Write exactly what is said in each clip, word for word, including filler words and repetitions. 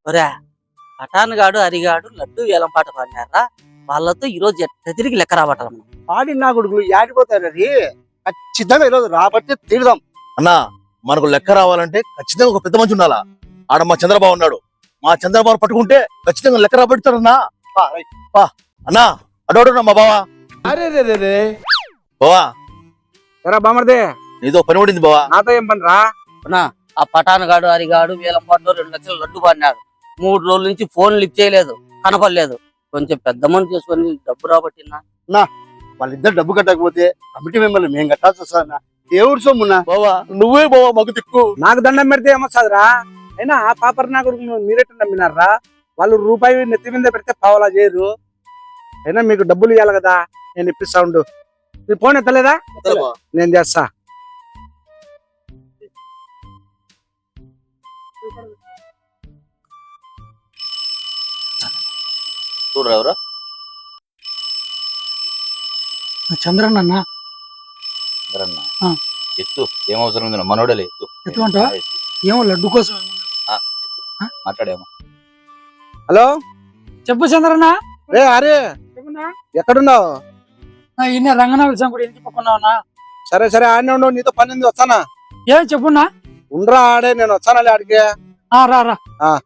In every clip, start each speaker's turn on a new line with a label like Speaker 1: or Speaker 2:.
Speaker 1: ఒరే పఠాన్ గాడు హరిగాడు లడ్డు వేలం పాట పాడినారా వాళ్ళతో ఈరోజు ఎట్ట తిరిగి లెక్క రాబట్టాలి మనం.
Speaker 2: ఆడిన నా కొడుకులు యాడిపోతారు అది ఖచ్చితంగా ఈరోజు రాబట్టి తీరుదాం.
Speaker 3: అన్నా మనకు లెక్క రావాలంటే ఖచ్చితంగా ఒక పెద్ద మంచి ఉండాలా. ఆడ మా చంద్రబాబు ఉన్నాడు. మా చంద్రబాబు పట్టుకుంటే ఖచ్చితంగా లెక్క రాబడతాడన్నా. అన్నా అడోడు మా బావా.
Speaker 2: అరే రే రే రే
Speaker 3: బావా
Speaker 2: ఎరా బామర్దే
Speaker 3: నీతో పని పడింది బావా.
Speaker 2: నాతో ఏం పని రా?
Speaker 1: అవునా? ఆ పఠాన్ గాడు హరిగాడు వేలం పాటలో రెండు లక్షలు లడ్డు పాడినాడు. మూడు రోజుల నుంచి ఫోన్ లిఫ్ట్ చేయలేదు, కనపడలేదు. కొంచెం పెద్ద మనిషి చేసుకొని డబ్బు రాబట్టినా.
Speaker 2: వాళ్ళిద్దరు డబ్బు కట్టకపోతే కమిటీ మెంబర్లు మేము కట్టాల్సి వస్తుందన్నా. ఏ ఊరు సొమ్మున్నా
Speaker 3: బావా నువ్వే బావా మాకు దిక్కు.
Speaker 2: నాకు దండం పెడితే ఏమొస్తుందిరా? అయినా ఆ పాపర్ నా కొడుకు మీరెట్టు నమ్మినారా? వాళ్ళు రూపాయి నెత్తి మీద పెడితే పావలా చేయరు. అయినా మీకు డబ్బులు ఇవ్వాలి కదా, నేను ఇప్పిస్తా ఉండు. నీ ఫోన్ ఎత్తలేదా? నేను చేస్తా.
Speaker 3: చూడరా ఎవరు?
Speaker 4: చంద్రన్న అన్న.
Speaker 3: చంద్రన్న
Speaker 4: ఆ.
Speaker 3: ఎత్తు ఏం అవసరం ఉంది మనోడలే ఎత్తు.
Speaker 4: ఎత్తుమంటావా? ఏమో లడ్డు కోసం.
Speaker 3: మాట్లాడేమో.
Speaker 2: హలో
Speaker 4: చెప్పు చంద్రన్న.
Speaker 2: రే అరే ఎక్కడున్నావు?
Speaker 4: ఇన్న రంగనాథ కూడా ఇంటి పక్కన.
Speaker 2: సరే సరే ఆడనే ఉండవు, నీతో పని ఉంది, వస్తానా?
Speaker 4: ఏం చెప్పున్నా?
Speaker 2: ఉండరా ఆడే, నేను వచ్చానా ఆడికి.
Speaker 4: రా రా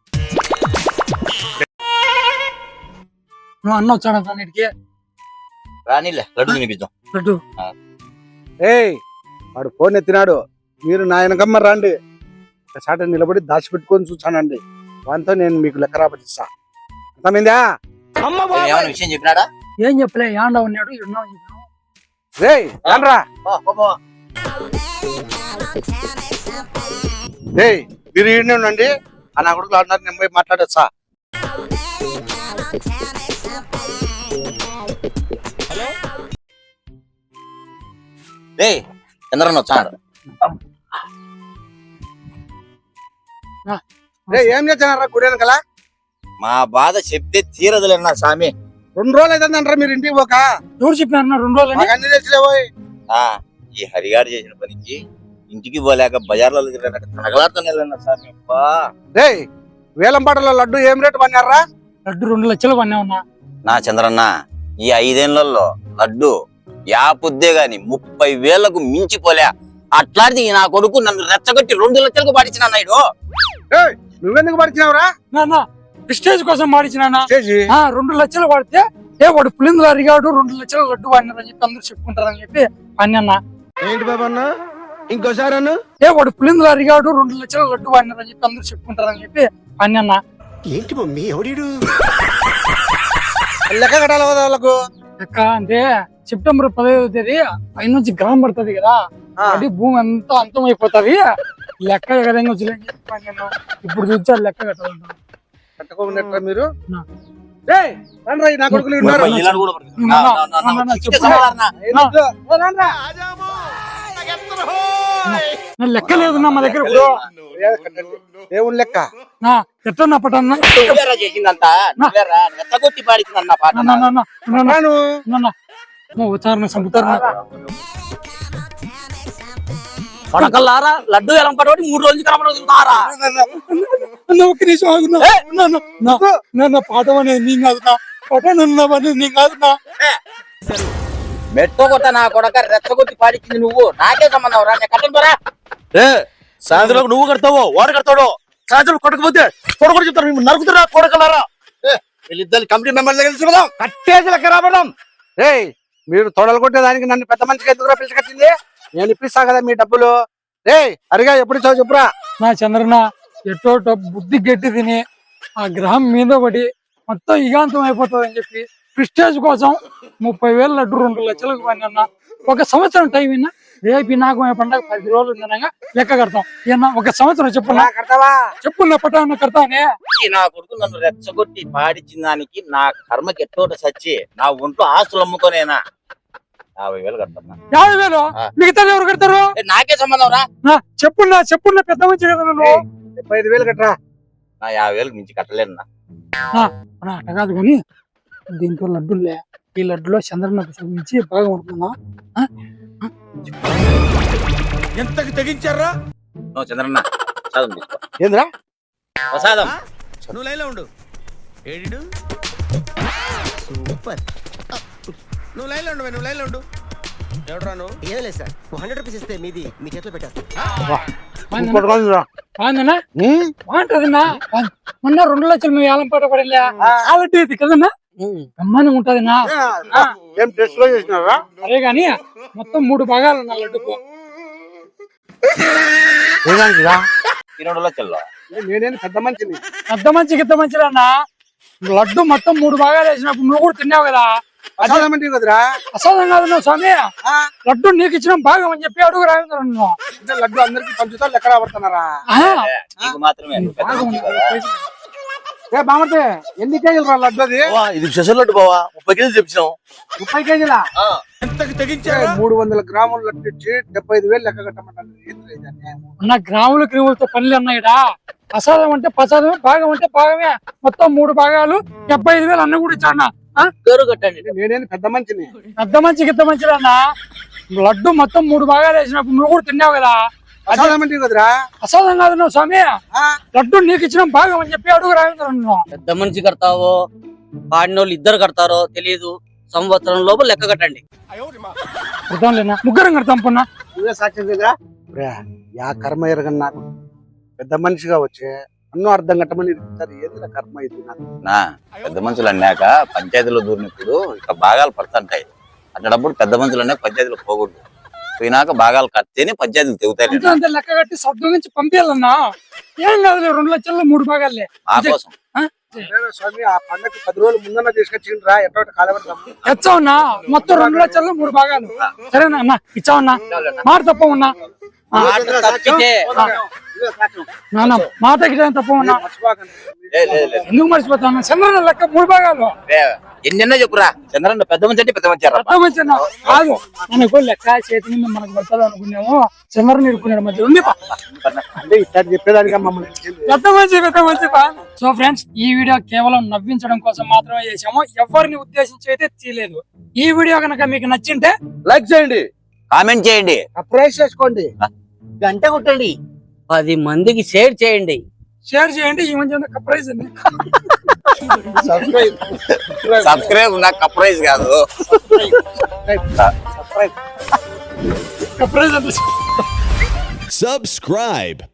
Speaker 4: నువ్వు అన్న వచ్చాడు నీటికి
Speaker 3: రానిలే లడ్డు తినిపిద్దాం.
Speaker 4: లడ్డు
Speaker 2: ఏయ్ వాడు ఫోన్ ఎత్తినాడు. మీరు నా వెనకమ్మ రండి. ఒకసారి నిలబడి దాచిపెట్టుకొని చూసానండి. వాటితో నేను మీకు లెక్క రాబట్టిస్తా. అర్థమైందా?
Speaker 3: ఏమైనా విషయం చెప్పినాడా?
Speaker 4: ఏం చెప్పలే, యాండ ఉన్నాడు ఇడున్నావు చెప్పినావు.
Speaker 2: రేయ్ రా. రేయ్ మీరు ఈడనే ఉండండి. ఆ నా కొడుకులు ఆడినారు, నేను పోయి మాట్లాడొచ్చా?
Speaker 3: రే చంద్రన్న వచ్చాడు.
Speaker 2: రే ఏం చేస్తున్నారా గుడి వెనకాల?
Speaker 3: మా బాధ చెప్తే తీరదులేనా స్వామి.
Speaker 2: రెండు రోజులు అవుతుందంటారా మీరు ఇంటికి పోక?
Speaker 4: ఎవరు చెప్పినారు రెండు రోజులు?
Speaker 2: మాకు అన్ని తెచ్చిలేవోయ్.
Speaker 3: ఆ ఈ హరిగాడు చేసిన పనికి ఇంటికి పోలేక బజార్లలో తనగలాడుతూనే స్వామి. అబ్బా
Speaker 2: రేయ్ వేలంపాటలో లడ్డు ఏం రేటు పన్నారా?
Speaker 4: లడ్డు రెండు లక్షలు పన్నా ఉన్నా.
Speaker 3: నా చంద్రన్న ఈ ఐదేళ్లలో లడ్డు యాపుద్దే గాని ముప్పై వేలకు మించిపోలే. అట్లాంటిది నా కొడుకు నన్ను రెచ్చగొట్టి రెండు లక్షలకు పాడించిన నాయుడు.
Speaker 2: నువ్వెందుకు పడిచినావురా?
Speaker 4: నాన్న ప్రెస్టేజ్ కోసం పాడించిన.
Speaker 2: చేసి
Speaker 4: రెండు లక్షలు పడితే ఏ వాడు పులిందులు అరిగాడు రెండు లక్షలు లడ్డు పడినారని చెప్పి అందరూ చెప్పుకుంటారని చెప్పి పన్నా.
Speaker 2: ఏంటి బాబా అన్న ఇంకోసారి అన్న?
Speaker 4: ఏ వాడు పులిందులు అరిగాడు రెండు లక్షలు లడ్డు పడినారని చెప్పి అందరూ చెప్పుకుంటారని చెప్పి పన్నా.
Speaker 2: ఏంటి మమ్మీ ఎవడీడు? లెక్క కట్టాలి కదా వాళ్ళకు.
Speaker 4: లెక్క అంటే సెప్టెంబర్ పదహైదు తేదీ పైనుంచి గ్రహం పడుతుంది కదా, అది భూమి అంతా అంతం అయిపోతుంది. లెక్క ఎగరంగా వచ్చి చెప్పాను నేను. ఇప్పుడు చూసారు లెక్క కట్టాలంట.
Speaker 2: కట్టుకోకుండా మీరు నా కొడుకులు ఉన్నారు.
Speaker 4: లెక్క లేదు నా మా దగ్గర. ఇప్పుడు
Speaker 2: దేవుని లెక్క
Speaker 4: ఎట్లా పట్టన్నా
Speaker 3: రెచ్చగొట్టి పాడించిందన్న పాట.
Speaker 4: ఉచ్చారణ సంపుతారు.
Speaker 1: కొడకల్లారా లడ్డు వేలం పాట మూడు రోజులు కనపడుతున్నారా?
Speaker 4: ఒక్క నిమిషం ఆగునా. పాట అనేది నీ కాదునా, పాట నన్ను నీ కాదునా.
Speaker 3: మెట్టు కొట్ట నా కొడక రెచ్చగొట్టి పాడించింది నువ్వు. నాకే సంబంధం రా. నేను కట్టరా సాయంత్రం నువ్వు కడతావు వాడు కడతాడు. సాయంత్రం కొట్టకపోతే కొడకొడు చెప్తారు నరుకుతున్నా కొడకలారా.
Speaker 2: వీళ్ళిద్దరు కమిటీ మెంబర్లు కలిసి కట్టేసి లెక్క రాబడదాం. రే మీరు తొడలు కొట్టేదానికి నన్ను పెద్ద మనిషికి ఎందుకు పిలిచికట్టింది? నేను ఇప్పిస్తా కదా మీ డబ్బులు. రే అరిగా ఎప్పుడు ఇచ్చావు చెప్పురా.
Speaker 4: నా చంద్రన్న ఎటో బుద్ధి గట్టి తిని ఆ గ్రహం మీద పడి మొత్తం ఇగాంతం అయిపోతుంది అని చెప్పి ప్రిస్టేజ్ కోసం ముప్పై వేలు లడ్డు రెండు లక్షలకు పడినా. ఒక సంవత్సరం టైం అయినా రేపు నాకు పండగ పది రోజులు ఉందనగా లెక్క కడతాం. ఏమన్నా ఒక సంవత్సరం చెప్పున్నా
Speaker 2: కడతావా?
Speaker 4: చెప్పున్నా పట్టా కడతానే.
Speaker 3: నా కొడుకు నన్ను రెచ్చగొట్టి పాడించిన దానికి నా కర్మకి ఎట్టోట సచ్చి నా ఒంట్లో ఆస్తులు అమ్ముకోనేనా యాభై వేలు కడతా.
Speaker 4: యాభై వేలు మిగతా ఎవరు కడతారు?
Speaker 3: నాకే సంబంధం రా.
Speaker 4: చెప్పున్నా చెప్పున్నా పెద్ద మంచి కదా నువ్వు.
Speaker 2: ముప్పై ఐదు వేలు కట్టరా.
Speaker 3: నా యాభై వేలకు మించి కట్టలేను.
Speaker 4: అట్ట కాదు కానీ దీంట్లో లడ్డులే, ఈ లడ్డులో చంద్రన్నకు చూపించి బాగా ఉంటున్నా.
Speaker 2: ఎంతకి తెగించారా?
Speaker 3: చంద్రన్న ప్రసాదం తీసుకో.
Speaker 2: ఏంద్రా
Speaker 3: ప్రసాదం
Speaker 5: నువ్వు లైన్లో ఉండు. ఏడిడు సూపర్. నువ్వు లైన్లో ఉండు, నువ్వు లైన్లో ఉండు. ఎవడరా నువ్వు?
Speaker 6: ఏం లేదు సార్, హండ్రెడ్ రూపీస్ ఇస్తే మీది మీ చేతిలో పెట్టేస్తాను.
Speaker 2: ఇంకోటి కాదురా.
Speaker 4: బాగుందన్నా
Speaker 2: ఉమ్,
Speaker 4: బాగుంటదన్నా. బాగుంది. మొన్న రెండు లక్షలు మేము ఏలం పాట పడలే కాబట్టి కదన్నా బ్రహ్మాండంగా ఉంటదన్నా.
Speaker 2: ఏం టెస్ట్ లో చేసినారా?
Speaker 4: అదే గాని మొత్తం మూడు భాగాలు ఉన్నాయి లడ్డుకు.
Speaker 2: ఏదానికిరా?
Speaker 3: ఈ రెండు లక్షల్లో
Speaker 2: నేనేం పెద్ద మంచిని.
Speaker 4: పెద్ద మంచి గిద్ద మంచిదన్నా. లడ్డు మొత్తం మూడు భాగాలు వేసినప్పుడు నువ్వు కూడా తిన్నావు కదా.
Speaker 2: ప్రసాదం అంటే కదరా?
Speaker 4: ప్రసాదం కాదు నువ్వు స్వామి, లడ్డు నీకు ఇచ్చిన భాగం అని చెప్పి అడుగు రావేంద్ర నువ్వు.
Speaker 2: అంటే లడ్డు అందరికి పంచుతా లెక్క రాబడుతున్నారా?
Speaker 3: మాత్రమే
Speaker 2: ఏ బామర్తే ఎన్ని కేజీలు రా లడ్డు అది?
Speaker 3: బావా, ఇది స్పెషల్ లడ్డు బావా, ముప్పై కేజీలు తెప్పించాం.
Speaker 2: ముప్పై కేజీలా?
Speaker 5: ఎంతకు తెగించారా?
Speaker 2: మూడు వందల గ్రాముల లడ్డు ఇచ్చి డెబ్బై ఐదు వేలు లెక్క కట్టమంటారు. ఏంటి ఇది అన్యాయం?
Speaker 4: ఉన్న గ్రాములు క్రిములతో పనులు అన్నాయిడా. ప్రసాదం అంటే ప్రసాదమే, భాగం అంటే భాగమే. మొత్తం మూడు భాగాలు డెబ్బై ఐదు వేలు అన్న కూడా ఇచ్చాడు.
Speaker 1: పేరు కట్టండి.
Speaker 2: నేనేం పెద్ద మంచిని.
Speaker 4: పెద్ద మంచి గిద్ద మంచిదన్నా. లడ్డు మొత్తం మూడు భాగాలు వేసినప్పుడు నువ్వు కూడా తిన్నావు కదా.
Speaker 2: ప్రసాదం అంటే కదరా?
Speaker 4: ప్రసాదం కాదు నువ్వు స్వామి, లడ్డు నీకు ఇచ్చిన భాగం అని చెప్పి అడుగు రావేంద్ర నువ్వు.
Speaker 1: పెద్ద మనిషి కడతావో పాడినోళ్ళు ఇద్దరు కడతారో తెలియదు. సంవత్సరం లోపు లెక్క కట్టండి.
Speaker 4: అర్థం లేనా? ముగ్గురం కడతాం పొన్నా.
Speaker 2: నువ్వే సాక్ష్యం కదా? యా కర్మ ఎరగని నాకు పెద్ద మనిషిగా వచ్చే అన్నో అర్థం కట్టమని ఇస్తారు. ఏదైనా కర్మ ఇది నాకు.
Speaker 7: నా పెద్ద మనుషులు అన్నాక పంచాయతీలో దూరినప్పుడు ఇక భాగాలు పడుతుంటాయి. అట్లాడప్పుడు పెద్ద మనుషులు అన్నాక పంచాయతీలో పోకూడదు. పోయినాక భాగాలు కడితేనే పంచాయతీలు తెగుతాయి.
Speaker 4: అంతే అంతే లెక్క కట్టి సర్దు నుంచి పంపించాలన్నా. ఏం కాదు రెండు లక్షల్లో మూడు భాగాలే.
Speaker 7: ఆ కోసం
Speaker 2: సరేనా స్వామి, ఆ పండగ పది రోజులు ముందన్న తీసుకొచ్చిండ్రా ఎట్లా కాలబెడతాం.
Speaker 4: తెచ్చావున్నా మొత్తం రెండు లక్షల్లో మూడు భాగాలు. సరేనా అన్న, ఇచ్చావన్నా. మాట తప్ప ఉన్నా
Speaker 1: మాట తప్పితే
Speaker 4: నాన్న, మాట గిట్ట తప్ప ఉన్నా.
Speaker 7: లే, లే, లే.
Speaker 4: ఎందుకు మర్చిపోతాను? చంద్రన్న లెక్క మూడు భాగాలు.
Speaker 7: లే, ఎన్నెన్నో చెప్పురా. చంద్రన్న పెద్ద మంచి అంటే పెద్ద మంచి
Speaker 4: పెద్ద మంచి అన్న. కాదు మనకు లెక్క చేతి మీద మనకు పడుతుంది అనుకున్నాము. చంద్రన్న ఇరుక్కున్నాడు మధ్య ఉంది.
Speaker 2: అంటే ఇట్లా చెప్పేదానిగా మమ్మల్ని ఇచ్చింది.
Speaker 4: పెద్ద మంచి పెద్ద మంచి. సో ఫ్రెండ్స్, ఈ వీడియో కేవలం నవ్వించడం కోసం మాత్రమే చేసాము. ఎవరిని ఉద్దేశించి అయితే తీయలేదు. ఈ వీడియో కనుక మీకు నచ్చింటే
Speaker 2: లైక్ చేయండి,
Speaker 7: కామెంట్ చేయండి,
Speaker 2: సబ్స్క్రైబ్ చేసుకోండి,
Speaker 1: గంట కొట్టండి, పది మందికి షేర్ చేయండి.
Speaker 4: షేర్ చేయండి. ఈ మంచి ప్రైజ్ అండి.
Speaker 2: సబ్స్క్రైబ్
Speaker 7: సబ్స్క్రైబ్ నాకు కప్రైజ్ కాదు.
Speaker 4: ప్రైజ్ అండి.
Speaker 8: Subscribe.